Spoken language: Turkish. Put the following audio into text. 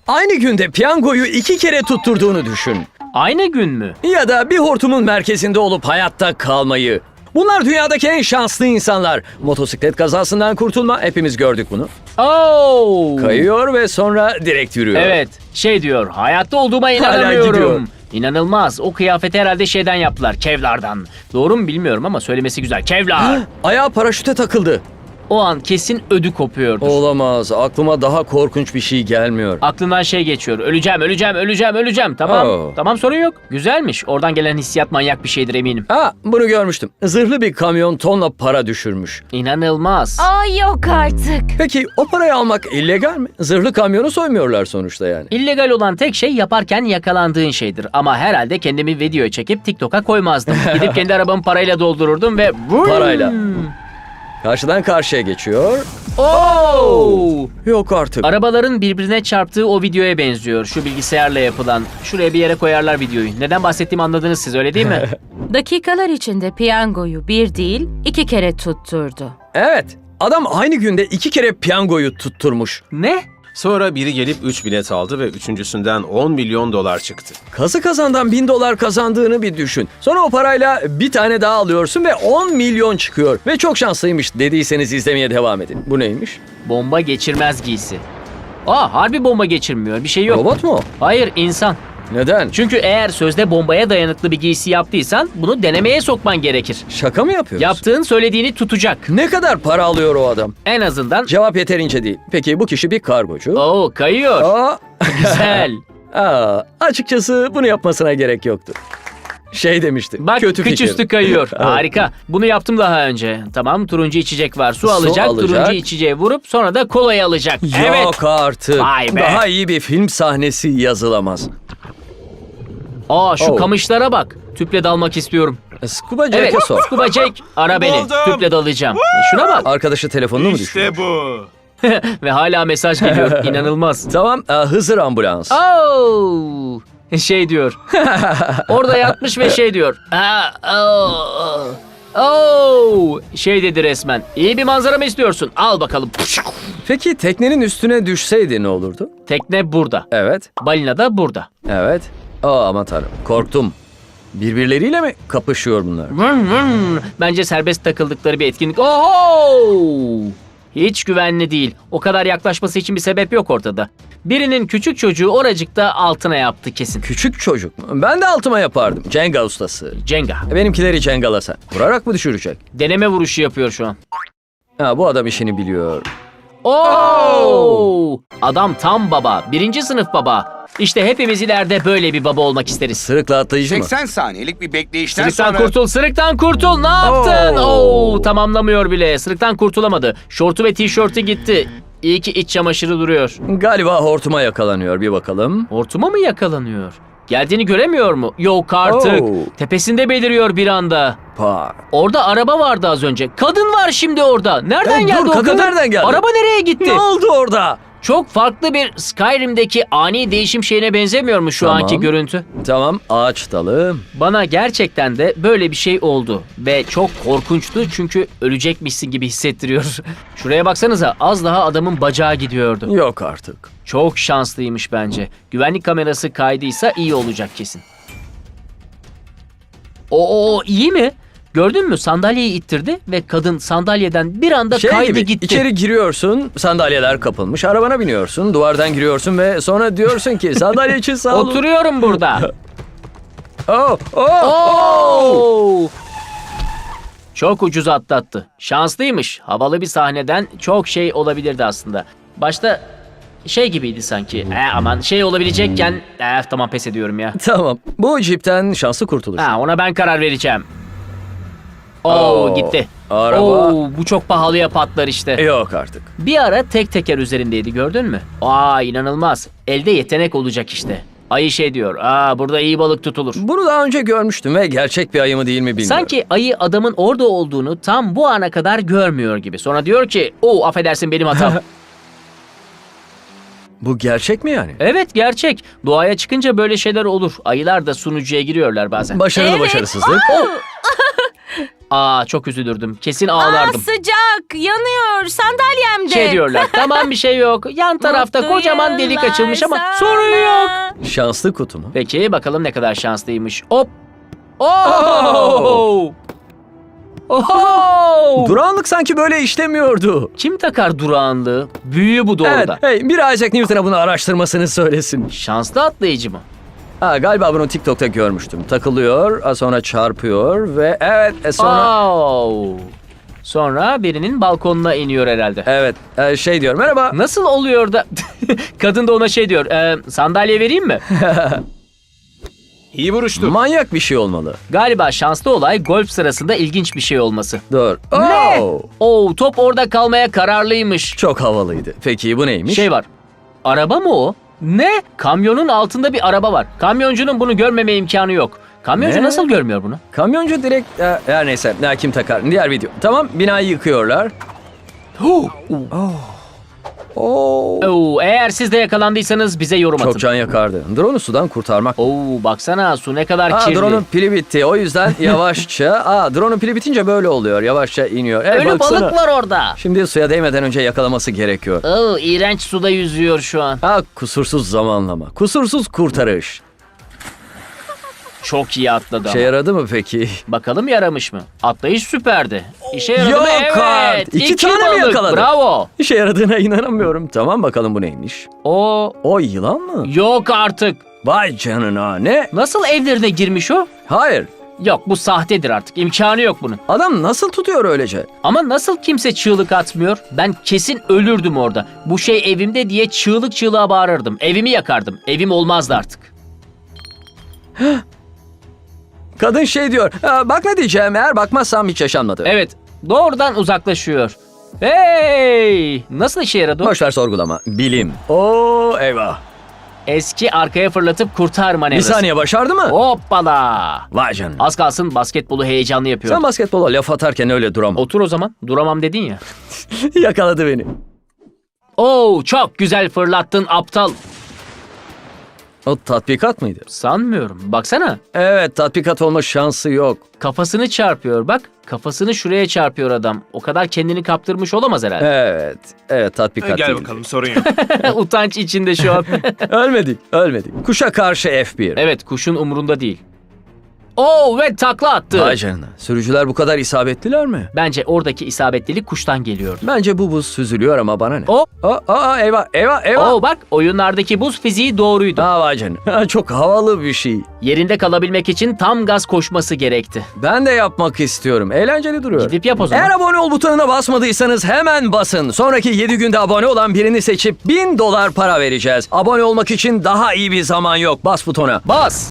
Aynı günde piyangoyu 2 kere tutturduğunu düşün. Aynı gün mü? Ya da bir hortumun merkezinde olup hayatta kalmayı. Bunlar dünyadaki en şanslı insanlar. Motosiklet kazasından kurtulma, hepimiz gördük bunu. Oo. Kayıyor ve sonra direkt yürüyor. Evet, şey diyor, hayatta olduğuma gidiyor. inanamıyorum. İnanılmaz. O kıyafeti herhalde şeyden yaptılar, Kevlar'dan. Doğru mu bilmiyorum ama söylemesi güzel. Kevlar. Ayağı paraşüte takıldı. O an kesin ödü kopuyordur. Olamaz. Aklıma daha korkunç bir şey gelmiyor. Aklından şey geçiyor. Öleceğim, öleceğim, öleceğim, öleceğim. Tamam. Oo. Tamam, sorun yok. Güzelmiş. Oradan gelen hissiyat manyak bir şeydir eminim. Bunu görmüştüm. Zırhlı bir kamyon tonla para düşürmüş. İnanılmaz. Ay yok artık. Peki o parayı almak illegal mi? Zırhlı kamyonu soymuyorlar sonuçta yani. İllegal olan tek şey yaparken yakalandığın şeydir. Ama herhalde kendimi videoya çekip TikTok'a koymazdım. Gidip kendi arabamı parayla doldururdum ve... Parayla. Karşıdan karşıya geçiyor. Oo! Yok artık. Arabaların birbirine çarptığı o videoya benziyor. Şu bilgisayarla yapılan. Şuraya bir yere koyarlar videoyu. Neden bahsettiğimi anladınız siz, öyle değil mi? Dakikalar içinde piyangoyu bir değil 2 kere tutturdu. Evet. Adam aynı günde 2 kere piyangoyu tutturmuş. Ne? Sonra biri gelip 3 bilet aldı ve üçüncüsünden 10 milyon dolar çıktı. Kazı kazandan $1000 kazandığını bir düşün. Sonra o parayla bir tane daha alıyorsun ve 10 milyon çıkıyor. Ve çok şanslıymış dediyseniz izlemeye devam edin. Bu neymiş? Bomba geçirmez giysi. Aa, harbi bomba geçirmiyor. Bir şey yok. Robot mu? Hayır, insan. Neden? Çünkü eğer sözde bombaya dayanıklı bir giysi yaptıysan bunu denemeye sokman gerekir. Şaka mı yapıyorsun? Yaptığın söylediğini tutacak. Ne kadar para alıyor o adam? En azından... Cevap yeterince değil. Peki bu kişi bir kargocu. Oo, kayıyor. Aa, Güzel. açıkçası bunu yapmasına gerek yoktu. Şey demişti. Bak, kötü kıç fikir. üstü kayıyor. Harika. Bunu yaptım daha önce. Tamam, turuncu içecek var. Su alacak, turuncu içeceği vurup sonra da kolayı alacak. Evet. Yok artık. Vay be. Daha iyi bir film sahnesi yazılamaz. Aa, şu Oh. kamışlara bak. Tüple dalmak istiyorum. Scuba Jack'e Evet, sor. Scuba Jack, ara beni. Buldum. Tüple dalacağım. Şuna bak. Arkadaşı telefonunu mu düşürüyor? İşte bu. Ve hala mesaj geliyor. İnanılmaz. Tamam, Hızır ambulans. Oo! Şey diyor. Orada yatmış ve şey diyor. Şey dedi resmen. İyi bir manzara mı istiyorsun? Al bakalım. Peki teknenin üstüne düşseydi ne olurdu? Tekne burada. Evet, Balina da burada. evet. Aman tanrım, korktum. Birbirleriyle mi kapışıyor bunlar? Bence serbest takıldıkları bir etkinlik. Oho! Hiç güvenli değil. O kadar yaklaşması için bir sebep yok ortada. Birinin küçük çocuğu oracıkta altına yaptı kesin. Küçük çocuk mu? Ben de altıma yapardım. Cenga ustası. Cenga. Benimkileri cengalasa. Vurarak mı düşürecek? Deneme vuruşu yapıyor şu an. Bu adam işini biliyor. Oo! Adam tam baba. 1. sınıf baba. İşte hepimiz ileride böyle bir baba olmak isteriz. Sırıkla atlayıcı mı? 80 saniyelik bir bekleyişten Sırıktan sonra... kurtul, sırıktan kurtul. Ne yaptın? Oo. Oo, tamamlamıyor bile. Sırıktan kurtulamadı. Şortu ve tişörtü gitti. İyi ki iç çamaşırı duruyor. Galiba hortuma yakalanıyor, bir bakalım. Hortuma mı yakalanıyor? Geldiğini göremiyor mu? Yok artık. Oo. Tepesinde beliriyor bir anda. Pa. Orada araba vardı az önce. Kadın var şimdi orada. Nereden Dur, geldi o kadın kadın? nereden geldi? Araba nereye gitti? Ne oldu orada? Çok farklı bir Skyrim'deki ani değişim şeyine benzemiyor mu şu Tamam. anki görüntü? Tamam, ağaç dalı. Bana gerçekten de böyle bir şey oldu. Ve çok korkunçtu çünkü ölecekmişsin gibi hissettiriyor. Şuraya baksanıza, az daha adamın bacağı gidiyordu. Yok artık. Çok şanslıymış bence. Güvenlik kamerası kaydıysa iyi olacak kesin. Oo, iyi mi? Gördün mü? Sandalyeyi ittirdi ve kadın sandalyeden bir anda kaydı gibi, gitti. içeri giriyorsun, sandalyeler kapılmış, arabana biniyorsun, duvardan giriyorsun ve sonra diyorsun ki sandalye için sağ olun. Oturuyorum burada. Oh. Oo! Çok ucuz atlattı. Şanslıymış. Havalı bir sahneden çok şey olabilirdi aslında. Başta şey gibiydi sanki. Aman şey olabilecekken... tamam, pes ediyorum ya. Tamam, bu cipten şanslı kurtuluş. Ona ben karar vereceğim. Oo, Gitti. araba. Bu çok pahalıya patlar işte. Yok artık. Bir ara tek teker üzerindeydi, gördün mü? İnanılmaz. Elde yetenek olacak işte. Ayı şey diyor. Burada iyi balık tutulur. Bunu daha önce görmüştüm ve gerçek bir ayı mı değil mi bilmiyorum. Sanki ayı adamın orada olduğunu tam bu ana kadar görmüyor gibi. Sonra diyor ki, affedersin benim hatam. Bu gerçek mi yani? Evet, gerçek. Doğaya çıkınca böyle şeyler olur. Ayılar da sunucuya giriyorlar bazen. Başarılı başarısızlık. Aa, çok üzülürdüm. Kesin ağlardım. Sıcak, yanıyor sandalyemde. Şey diyorlar, tamam bir şey yok. Yan tarafta Mutlu kocaman delik yıllar açılmış ama sana. sorun yok. Şanslı kutu mu? Peki bakalım ne kadar şanslıymış. Hop. Oh! Oh! Durağanlık sanki böyle işlemiyordu. Kim takar durağanlığı? Büyü bu Evet, doğruda. hey, bir Isaac Newton'a bunu araştırmasını söylesin. Şanslı atlayıcı mı? Ha, galiba bunu TikTok'ta görmüştüm. Takılıyor, sonra çarpıyor ve evet sonra... Oh! Sonra birinin balkonuna iniyor herhalde. Evet, şey diyor, merhaba. Nasıl oluyor da kadın da ona şey diyor, sandalye vereyim mi? İyi vuruştu. Manyak bir şey olmalı. Galiba şanslı olay golf sırasında ilginç bir şey olması. Dur. Ne? Oh! Oo, top orada kalmaya kararlıymış. Çok havalıydı. Peki bu neymiş? Şey var. Araba mı o? Ne? Kamyonun altında bir araba var. Kamyoncunun bunu görmeme imkanı yok. Kamyoncu Ne? nasıl görmüyor bunu? Kamyoncu direkt... her neyse, kim takar? Diğer video. Tamam, binayı yıkıyorlar. Oo, eğer siz de yakalandıysanız bize yorum atın. Çok can yakardı. Drone'u sudan kurtarmak. Oo, baksana su ne kadar kirli. Drone'un pili bitti. O yüzden yavaşça... Drone'un pili bitince böyle oluyor. Yavaşça iniyor. Ölü baksana. balık var orada. Şimdi suya değmeden önce yakalaması gerekiyor. Oo, iğrenç suda yüzüyor şu an. Kusursuz zamanlama. Kusursuz kurtarış. Çok iyi atladı Şey ama. yaradı mı peki? Bakalım yaramış mı? Atlayış süperdi. İşe yaradı Yok mı? Evet. artık. İki tane mi balık. yakaladı? Bravo. İşe yaradığına inanamıyorum. Tamam, bakalım bu neymiş? O O yılan mı? yok artık. Vay canına, ne? Nasıl evlerine girmiş o? Hayır. Yok, bu sahtedir artık. İmkanı yok bunun. Adam nasıl tutuyor öylece? Ama nasıl kimse çığlık atmıyor? Ben kesin ölürdüm orada. Bu şey evimde diye çığlık çığlığa bağırırdım. Evimi yakardım. Evim olmazdı artık. Kadın şey diyor. Bak ne diyeceğim, eğer bakmazsam hiç yaşanmadı. Evet, doğrudan uzaklaşıyor. Hey! Nasıl işe yaradı o? Boşver sorgulama. Bilim. Oo eyvah. Eski arkaya fırlatıp kurtar Bir manevrası. saniye, başardı mı? Hoppala! Vay canına. Az kalsın basketbolu heyecanlı yapıyor. Sen basketbola laf atarken öyle duramam. Otur o zaman. Duramam dedin ya. Yakaladı beni. Oo, çok güzel fırlattın aptal. O tatbikat mıydı? Sanmıyorum. Baksana. Evet, tatbikat olma şansı yok. Kafasını çarpıyor bak. Kafasını şuraya çarpıyor adam. O kadar kendini kaptırmış olamaz herhalde. Evet tatbikat Gel değil. bakalım, sorun yok. Utanç içinde şu an. Ölmedik. Kuşa karşı F1. Evet, kuşun umurunda değil. Oo, ve takla attı. Vay canına. Sürücüler bu kadar isabetliler mi? Bence oradaki isabetlilik kuştan geliyordu. Bence bu buz süzülüyor ama bana ne? Hop. Eyvah. Oo, bak, oyunlardaki buz fiziği doğruydu. Vay canına. Çok havalı bir şey. Yerinde kalabilmek için tam gaz koşması gerekti. Ben de yapmak istiyorum. Eğlenceli duruyor. Gidip yap o zaman. Eğer abone ol butonuna basmadıysanız hemen basın. Sonraki 7 günde abone olan birini seçip $1000 para vereceğiz. Abone olmak için daha iyi bir zaman yok. Bas butona. Bas.